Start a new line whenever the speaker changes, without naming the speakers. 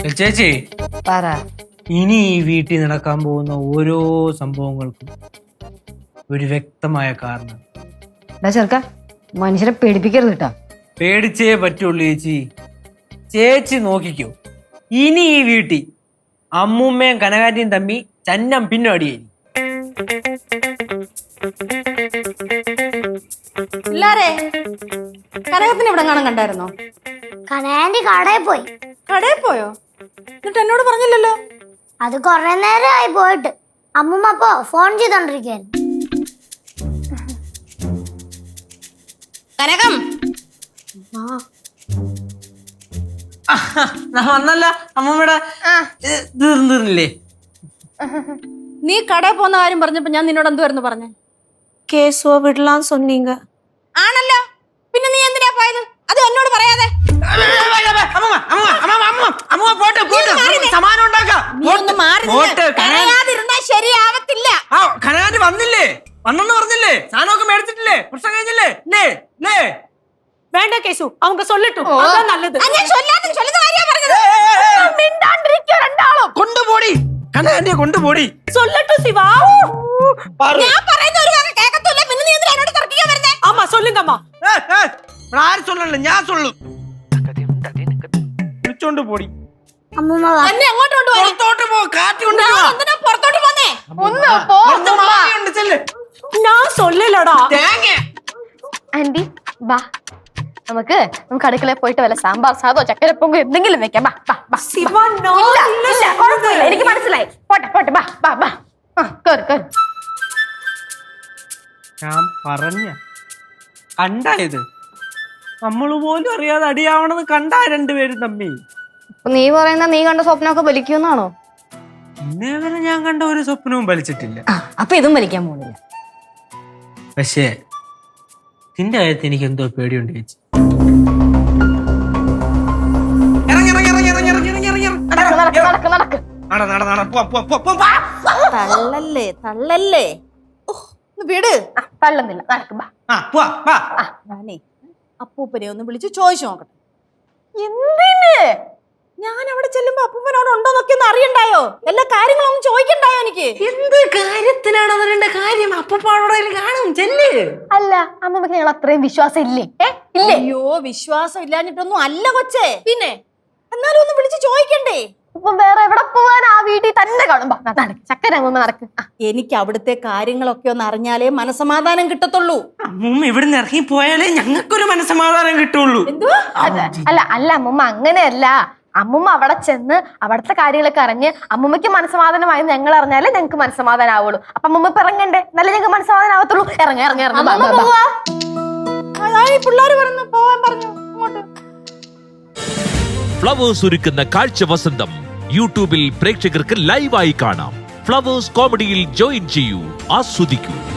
ചേച്ചി
പറ.
ഇനി ഈ വീട്ടിൽ നടക്കാൻ പോകുന്ന ഓരോ സംഭവങ്ങൾക്കും ഒരു വ്യക്തമായ കാരണം.
ചെറുക്ക മനുഷ്യരെ പേടിപ്പിക്കരുത് കേട്ടോ.
പേടിച്ചേ പറ്റുള്ളൂ ചേച്ചി. ചേച്ചി നോക്കിക്കോ, ഇനി ഈ വീട്ടിൽ അമ്മൂമ്മയും കനകാന്റിയും തമ്മി ചന്നം പിന്നെ അടിയായി.
കനകത്തിന് ഇവിടെ കാണാൻ കണ്ടായിരുന്നോ?
കനകാന്റി കടയിൽ പോയി.
കടയിൽ പോയോ? എന്നിട്ട് എന്നോട് പറഞ്ഞില്ലല്ലോ.
അത് കൊറേ നേരമായി പോയിട്ട്. അമ്മൂമ്മ അപ്പൊ ഫോൺ ചെയ്തോണ്ടിരിക്കുകയായിരുന്നു.
കനകം
വന്നല്ല അമ്മൂമ്മയുടെ തീർന്നില്ലേ?
നീ കടയിൽ പോകുന്ന കാര്യം പറഞ്ഞപ്പോ ഞാൻ നിന്നോട് എന്തുവായിരുന്നു പറഞ്ഞേ?
കേസുവ വിടലാൻ சொன்னீங்க.
ആണല്ലോ, പിന്നെ നീ എന്തിനാ പോയത്? അത് എന്നോട് പറയാതെ. ശരിയാവത്തില്ല.
കനകാന്റി വന്നില്ലേ? വന്നെന്ന് പറഞ്ഞില്ലേ? സാധനമൊക്കെ മേടിച്ചിട്ടില്ലേ? പ്രശ്നം കഴിഞ്ഞില്ലേ?
വേണ്ട കേസു, அவங்க சொல்லட்டும். அதான் நல்லது.
കൊണ്ടുപോടി കനകാന്റിയെ, കൊണ്ടുപോടി.
சொல்லட்டும் சிவா.
ഞാൻ പറയുന്ന ഒരു വാക്ക് കേൾക്കത്തില്ല. പിന്നെ നീ എന്തിനാ എന്നോട് തർക്കിക്കാൻ വരുന്നേ?
ஆமா சொல்லுங்க அம்மா.
ആര് சொல்லல, ഞാൻ சொல்லു. വിളിച്ചോണ്ട് പോടി.
അമ്മൂമ്മ വാ.
എന്നെ എങ്ങോട്ട് കൊണ്ടുപോയി?
പുറത്തോട്ട് പോ, കാറ്റ്
ഞാൻ
കൊണ്ടുപോവാ.
എന്തിനാ പുറത്തോട്ട് പോന്നേ?
ഒന്ന് പോ. நான் சொல்லலடா.
ആന്റി വാ, നമുക്ക് അടുക്കളയിൽ പോയിട്ട് വല്ല സാമ്പാർ സാദോ ചക്കരപ്പൊങ്കോ എന്തെങ്കിലും വെക്കാം.
சிவா
എനിക്ക് മനസ്സിലായി. പോട്ടെ ബാ.
ഞാൻ പറഞ്ഞ കണ്ടായത് നമ്മള് പോലും അറിയാതെ അടിയാവണമെന്ന് കണ്ടാ രണ്ടുപേരും തമ്മി.
നീ പറയുന്ന നീ കണ്ട സ്വപ്നമൊക്കെ വലിക്കുന്നാണോ?
ഇന്നേ വരെ ഞാൻ കണ്ട ഒരു സ്വപ്നവും വലിച്ചിട്ടില്ല.
അപ്പൊ ഇതും വലിക്കാൻ പോകുന്നില്ല.
പക്ഷേ നിന്റെ കാര്യത്തിൽ എനിക്ക് എന്തോ പേടിയുണ്ട് ചേച്ചി.
നടക്ക്.
തള്ളല്ലേ. വീട്
തള്ളുന്നില്ല, നടക്ക് ബാ.
ഞാനേ അപ്പൂപ്പനെ ഒന്ന് വിളിച്ച് ചോദിച്ചു നോക്കട്ടെ.
എന്തിന്?
ഞാൻ അവിടെ ചെല്ലുമ്പോ അപ്പൂപ്പനോട് ഉണ്ടോന്നൊക്കെ ഒന്ന് അറിയണ്ടായോ? എല്ലാ കാര്യങ്ങളും ഒന്ന് ചോദിക്കണ്ടായോ എനിക്ക്?
എന്ത് കാര്യത്തിനാണ് അതിന്റെ കാര്യം? അപ്പൂപ്പാടോടെ കാണും ചെല്ല്. അല്ല അമ്മമ്മക്ക് ഞങ്ങൾ അത്രയും വിശ്വാസം ഇല്ലേ? ഇല്ലേ?
അയ്യോ, വിശ്വാസം ഇല്ലാഞ്ഞിട്ടൊന്നും അല്ല കൊച്ചേ. പിന്നെ എന്നാലും ഒന്ന് വിളിച്ച് ചോദിക്കണ്ടേ?
ഇപ്പം വേറെ എവിടെ പോവാൻ? ആ വീട്ടിൽ തന്നെ കാണും. ചക്കര അമ്മൂമ്മ നടക്ക്.
എനിക്ക് അവിടുത്തെ കാര്യങ്ങളൊക്കെ ഒന്ന് അറിഞ്ഞാലേ മനസമാധാനം കിട്ടത്തുള്ളൂ.
അമ്മൂമ്മ ഇവിടുന്ന് ഇറങ്ങി പോയാലേ ഞങ്ങൾക്കൊരു മനസ്സമാധാനം കിട്ടുള്ളൂ.
എന്തുവാ?
അല്ല അമ്മൂമ്മ അങ്ങനെയല്ല. അമ്മൂമ്മ അവിടെ ചെന്ന് അവിടുത്തെ കാര്യങ്ങളൊക്കെ അറിഞ്ഞ് അമ്മൂമ്മയ്ക്ക് മനസ്സമാധാനമായി ഞങ്ങൾ അറിഞ്ഞാലേ ഞങ്ങൾക്ക് മനസ്സമാധാനം ആവുള്ളൂ. അപ്പൊ അമ്മൂമ്മ ഇപ്പൊ ഇറങ്ങണ്ടേ? നല്ല ഞങ്ങൾക്ക് മനസ്സമാധാനം ആവത്തുള്ളൂ. ഇറങ്ങി
പിള്ളേര് പറഞ്ഞു പോവാൻ പറഞ്ഞു അങ്ങോട്ട്.
ഫ്ലവേഴ്സ് ഒരുക്കുന്ന കാഴ്ച വസന്തം യൂട്യൂബിൽ പ്രേക്ഷകർക്ക് ലൈവായി കാണാം. ഫ്ലവേഴ്സ് കോമഡിയിൽ ജോയിൻ ചെയ്യൂ, ആസ്വദിക്കൂ.